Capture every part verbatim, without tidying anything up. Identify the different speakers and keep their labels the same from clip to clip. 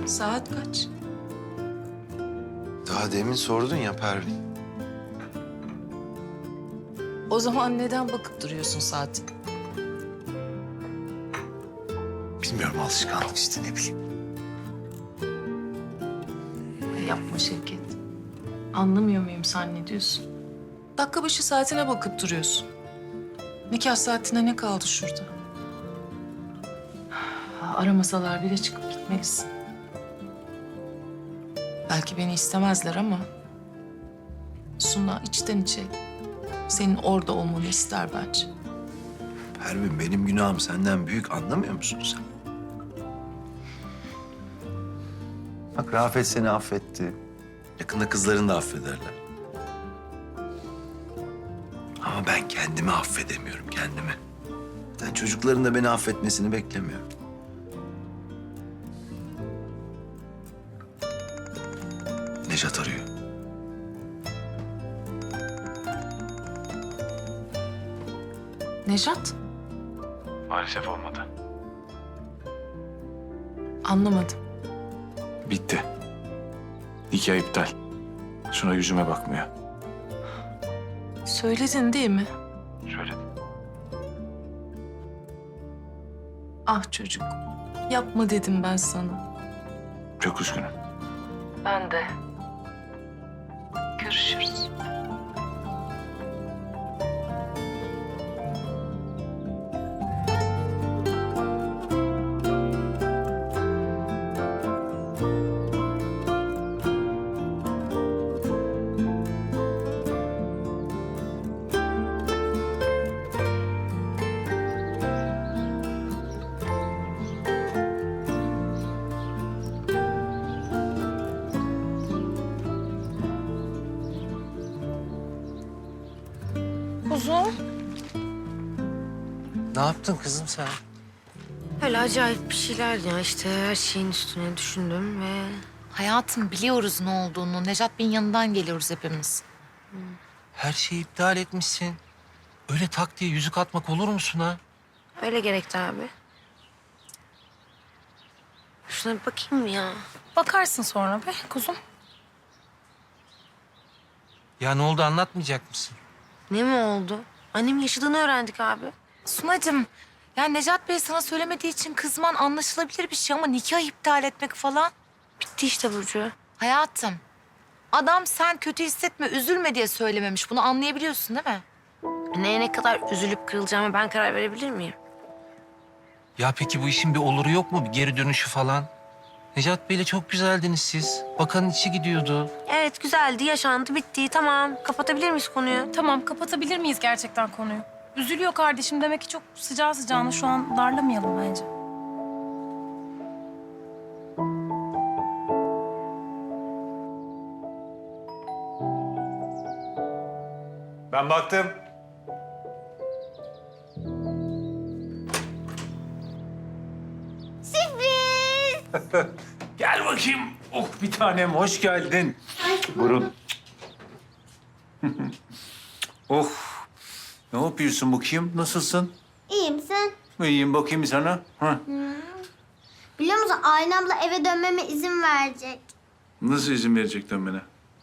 Speaker 1: Saat kaç?
Speaker 2: Daha demin sordun ya Pervin.
Speaker 1: O zaman neden bakıp duruyorsun saatine?
Speaker 2: Bilmiyorum, alışkanlık işte, ne bileyim.
Speaker 1: Yapma Şevket. Anlamıyor muyum sen ne diyorsun? Dakika başı saatine bakıp duruyorsun. Nikah saatine ne kaldı şurada? Aramasalar bile çıkıp gitmelisin. Belki beni istemezler ama... Suna içten içe senin orada olmanı ister bence.
Speaker 2: Pervin, benim günahım senden büyük, anlamıyor musun sen? Bak, Rafet seni affetti. Yakında kızlarını da affederler. Ama ben kendimi affedemiyorum, kendimi. Ben çocukların da beni affetmesini beklemiyorum. Nejat arıyor.
Speaker 1: Nejat?
Speaker 3: Maalesef olmadı.
Speaker 1: Anlamadım.
Speaker 3: Bitti. Nikah iptal. Suna yüzüme bakmıyor.
Speaker 1: Söyledin değil mi?
Speaker 3: Söyledim.
Speaker 1: Ah çocuk. Yapma dedim ben sana.
Speaker 3: Çok üzgünüm.
Speaker 1: Ben de. Görüşürüz. Kuzum.
Speaker 4: Ne yaptın kızım sen?
Speaker 5: Öyle acayip bir şeyler ya işte her şeyin üstüne düşündüm ve...
Speaker 6: Hayatım biliyoruz ne olduğunu. Nejat Bey'in yanından geliyoruz hepimiz.
Speaker 4: Her şeyi iptal etmişsin. Öyle tak diye yüzük atmak olur musun ha?
Speaker 5: Öyle gerekti abi. Şuna bir bakayım ya.
Speaker 6: Bakarsın sonra be kuzum.
Speaker 4: Ya ne oldu, anlatmayacak mısın?
Speaker 5: Ne mi oldu? Annemin yaşadığını öğrendik abi.
Speaker 6: Sunacığım, yani Nejat Bey sana söylemediği için kızman anlaşılabilir bir şey ama nikah iptal etmek falan.
Speaker 5: Bitti işte Burcu.
Speaker 6: Hayatım, adam sen kötü hissetme, üzülme diye söylememiş. Bunu anlayabiliyorsun değil mi?
Speaker 5: Neye ne kadar üzülüp kırılacağıma ben karar verebilir miyim?
Speaker 4: Ya peki bu işin bir oluru yok mu? Bir geri dönüşü falan? Necat Bey'le çok güzeldiniz siz. Bakanın içi gidiyordu.
Speaker 5: Evet güzeldi, yaşandı, bitti. Tamam, kapatabilir miyiz konuyu?
Speaker 7: Tamam, kapatabilir miyiz gerçekten konuyu? Üzülüyor kardeşim. Demek ki çok sıcağı sıcağına şu an darlamayalım bence.
Speaker 3: Ben baktım. Gel bakayım. Oh, bir tanem, hoş geldin. Burun. Oh. Ne yapıyorsun bakayım? Nasılsın?
Speaker 8: İyiyim sen?
Speaker 3: İyiyim, bakayım sana. Ha.
Speaker 8: Biliyor musun Aylin abla eve dönmeme izin verecek.
Speaker 3: Nasıl izin verecek dönmene?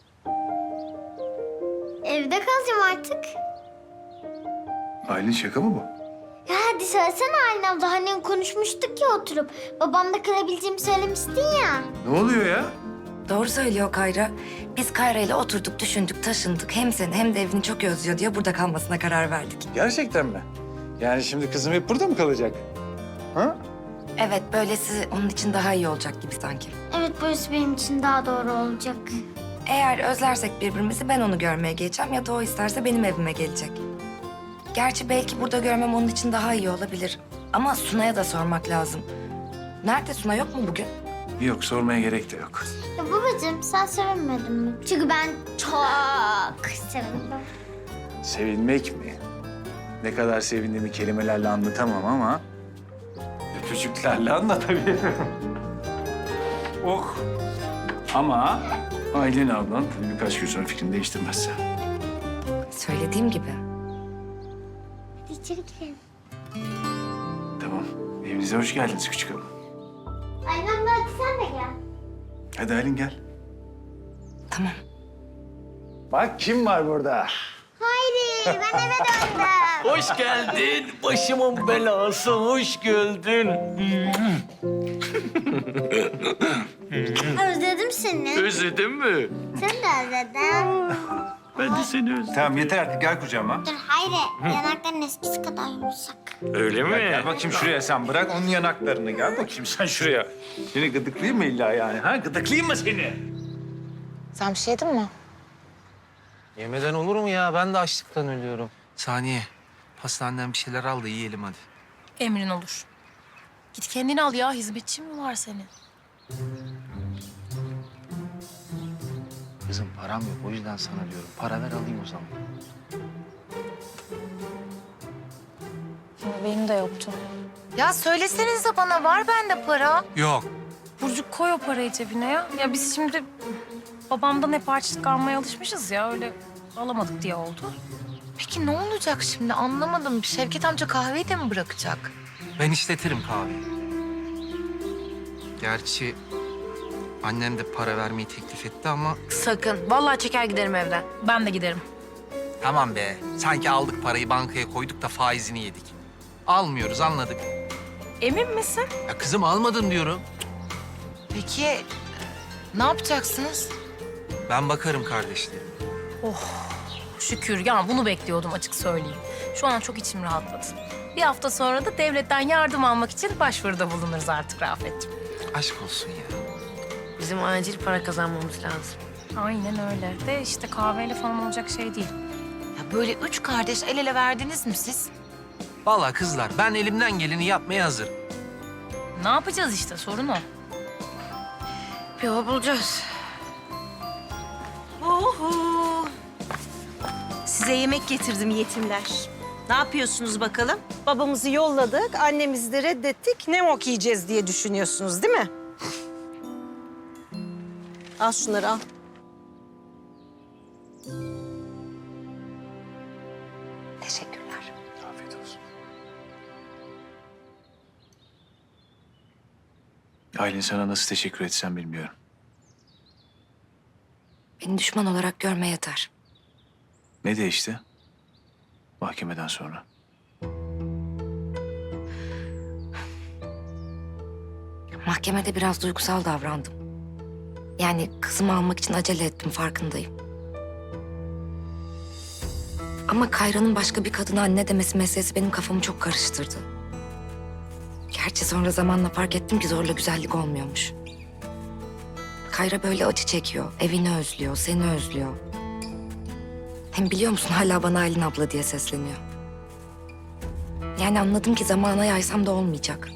Speaker 8: Evde kalacağım artık.
Speaker 3: Aylin, şaka mı bu?
Speaker 8: Ya hadi söylesene Aylin abla. Hani konuşmuştuk ya oturup. Babamla kalabileceğimi söylemiştin ya.
Speaker 3: Ne oluyor ya?
Speaker 9: Doğru söylüyor Kayra. Biz Kayra ile oturduk, düşündük, taşındık. Hem seni hem de evini çok özlüyor diye burada kalmasına karar verdik.
Speaker 3: Gerçekten mi? Yani şimdi kızım hep burada mı kalacak? Ha?
Speaker 9: Evet, böylesi onun için daha iyi olacak gibi sanki.
Speaker 8: Evet burası benim için daha doğru olacak.
Speaker 9: Eğer özlersek birbirimizi ben onu görmeye geleceğim ya da o isterse benim evime gelecek. Gerçi belki burada görmem onun için daha iyi olabilir. Ama Suna'ya da sormak lazım. Nerede Suna, yok mu bugün?
Speaker 3: Yok, sormaya gerek de yok.
Speaker 8: Ya babacığım sen sevinmedin mi? Çünkü ben çok sevindim.
Speaker 3: Sevinmek mi? Ne kadar sevindiğimi kelimelerle anlatamam ama... öpücüklerle anlatabilirim. Oh! Ama Aylin ablan tabii birkaç gün sonra fikrini değiştirmezse.
Speaker 9: Söylediğim gibi.
Speaker 8: Hadi içeri girelim.
Speaker 3: Tamam. Evinize hoş geldiniz küçük hanım.
Speaker 8: Aylin abla hadi sen de gel.
Speaker 3: Hadi Aylin gel.
Speaker 9: Tamam.
Speaker 3: Bak kim var burada?
Speaker 8: Hayri ben eve döndüm.
Speaker 10: Hoş geldin. Başımın belası. Hoş geldin.
Speaker 8: Özledim seni.
Speaker 10: Özledin mi?
Speaker 8: Seni de özledim.
Speaker 10: Ben de seni özledim.
Speaker 3: Tamam yeter artık gel kucağıma.
Speaker 8: Dur Hayri yanakların eskisi kadar yumuşak.
Speaker 10: Öyle mi?
Speaker 3: Gel bakayım şuraya sen bırak onun yanaklarını. Gel bakayım sen şuraya. Seni gıdıklayayım mı illa yani? Ha gıdıklayayım mı seni?
Speaker 6: Sen bir şey yedin mi?
Speaker 4: Yemeden olur mu ya? Ben de açlıktan ölüyorum. Saniye, pastaneden bir şeyler al da yiyelim hadi.
Speaker 7: Emrin olur. Git kendini al ya. Hizmetçi mi var senin?
Speaker 4: Kızım param yok, o yüzden sana diyorum. Para ver alayım o zaman.
Speaker 7: Benim de yoktu.
Speaker 6: Ya söylesenize bana, var bende para.
Speaker 4: Yok.
Speaker 7: Burcu koy o parayı cebine ya. Ya biz şimdi babamdan hep harçlık almaya alışmışız ya. Öyle alamadık diye oldu.
Speaker 6: Peki ne olacak şimdi, anlamadım. Şevket amca kahveyi de mi bırakacak?
Speaker 4: Ben işletirim kahveyi. Gerçi annem de para vermeyi teklif etti ama...
Speaker 5: Sakın. Vallahi çeker giderim evden.
Speaker 7: Ben de giderim.
Speaker 4: Tamam be, sanki aldık parayı bankaya koyduk da faizini yedik. Almıyoruz, anladık.
Speaker 7: Emin misin?
Speaker 4: Ya kızım almadın diyorum.
Speaker 6: Peki ne yapacaksınız?
Speaker 4: Ben bakarım kardeşlerim.
Speaker 7: Şükür. Ya bunu bekliyordum açık söyleyeyim. Şu an çok içim rahatladı. Bir hafta sonra da devletten yardım almak için başvuruda bulunuruz artık Rafet'ciğim.
Speaker 4: Aşk olsun ya.
Speaker 5: Bizim acil para kazanmamız lazım.
Speaker 7: Aynen öyle. De işte kahveyle falan olacak şey değil.
Speaker 6: Ya böyle üç kardeş el ele verdiniz mi siz?
Speaker 4: Vallahi kızlar, ben elimden geleni yapmaya hazırım.
Speaker 7: Ne yapacağız işte, sorun o.
Speaker 5: Bir yol bulacağız.
Speaker 11: Oho! Size yemek getirdim yetimler. Ne yapıyorsunuz bakalım? Babamızı yolladık, annemizi de reddettik. Ne mok yiyeceğiz diye düşünüyorsunuz değil mi? Al şunları al.
Speaker 9: Teşekkürler.
Speaker 3: Afiyet olsun. Aylin sana nasıl teşekkür etsem bilmiyorum.
Speaker 9: Beni düşman olarak görme yeter.
Speaker 3: Ne değişti? Mahkemeden sonra.
Speaker 9: Mahkemede biraz duygusal davrandım. Yani kızımı almak için acele ettim, farkındayım. Ama Kayra'nın başka bir kadına anne demesi meselesi benim kafamı çok karıştırdı. Gerçi sonra zamanla fark ettim ki zorla güzellik olmuyormuş. Kayra böyle acı çekiyor, evini özlüyor, seni özlüyor. Hem biliyor musun hala bana Aylin abla diye sesleniyor. Yani anladım ki zamana yaysam da olmayacak.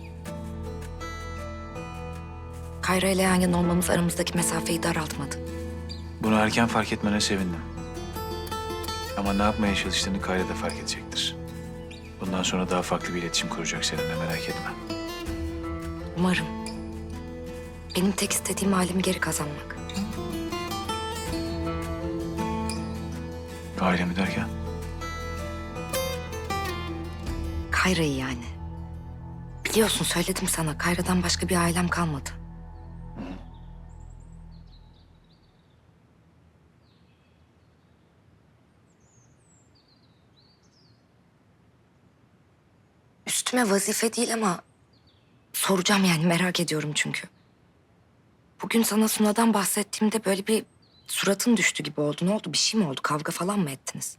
Speaker 9: Kayra ile yan yana olmamız aramızdaki mesafeyi daraltmadı.
Speaker 3: Bunu erken fark etmene sevindim. Ama ne yapmaya çalıştığını Kayra da fark edecektir. Bundan sonra daha farklı bir iletişim kuracak seninle, merak etme.
Speaker 9: Umarım. Benim tek istediğim ailemi geri kazanmak.
Speaker 3: Ailemi derken?
Speaker 9: Kayra'yı yani. Biliyorsun söyledim sana, Kayra'dan başka bir ailem kalmadı. Üstüme vazife değil ama soracağım yani, merak ediyorum çünkü. Bugün sana Suna'dan bahsettiğimde böyle bir suratın düştü gibi oldu. Ne oldu? Bir şey mi oldu? Kavga falan mı ettiniz?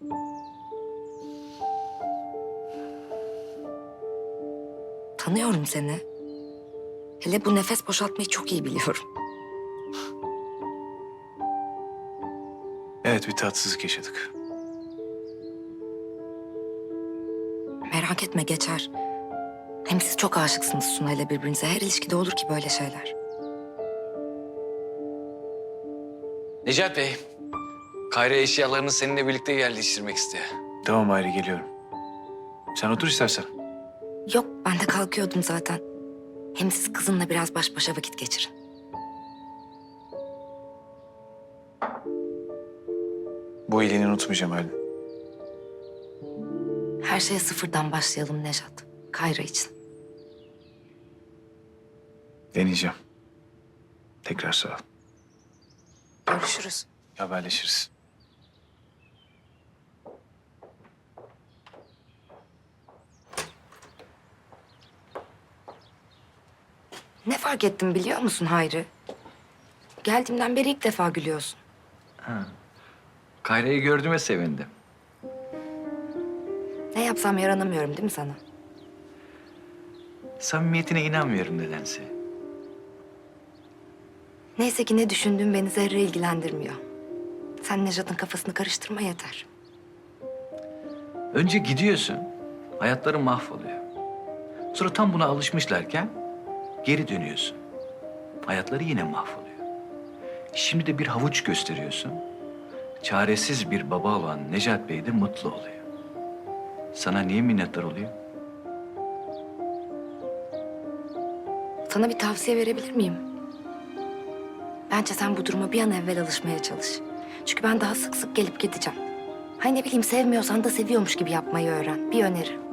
Speaker 9: Tanıyorum seni. Hele bu nefes boşaltmayı çok iyi biliyorum.
Speaker 3: Evet, bir tatsızlık yaşadık.
Speaker 9: Merak etme, geçer. Hem siz çok aşıksınız Suna ile birbirinize. Her ilişkide olur ki böyle şeyler.
Speaker 10: Necat Bey, Kayra eşyalarını seninle birlikte yerleştirmek istiyor.
Speaker 3: Tamam Ayrı, geliyorum. Sen otur istersen.
Speaker 9: Yok, ben de kalkıyordum zaten. Hem siz kızınla biraz baş başa vakit geçirin.
Speaker 3: Bu iyiliğini unutmayacağım Aylin.
Speaker 9: Her şeye sıfırdan başlayalım Nejat. Kayra için.
Speaker 3: Deneyeceğim. Tekrar sağ ol.
Speaker 5: Görüşürüz.
Speaker 3: Haberleşiriz.
Speaker 9: Ne fark ettim biliyor musun Hayri? Geldiğimden beri ilk defa gülüyorsun.
Speaker 10: Kayra'yı gördüğüme sevindim.
Speaker 9: Ne yapsam yaranamıyorum değil mi sana?
Speaker 10: Samimiyetine inanmıyorum nedense.
Speaker 9: Neyse ki ne düşündüğüm beni zerre ilgilendirmiyor. Sen Nejat'ın kafasını karıştırma yeter.
Speaker 10: Önce gidiyorsun, hayatları mahvoluyor. Sonra tam buna alışmışlarken geri dönüyorsun. Hayatları yine mahvoluyor. Şimdi de bir havuç gösteriyorsun. Çaresiz bir baba olan Necat Bey de mutlu oluyor. Sana niye minnettar oluyor?
Speaker 9: Sana bir tavsiye verebilir miyim? Bence sen bu duruma bir an evvel alışmaya çalış. Çünkü ben daha sık sık gelip gideceğim. Hay ne bileyim sevmiyorsan da seviyormuş gibi yapmayı öğren. Bir öneri.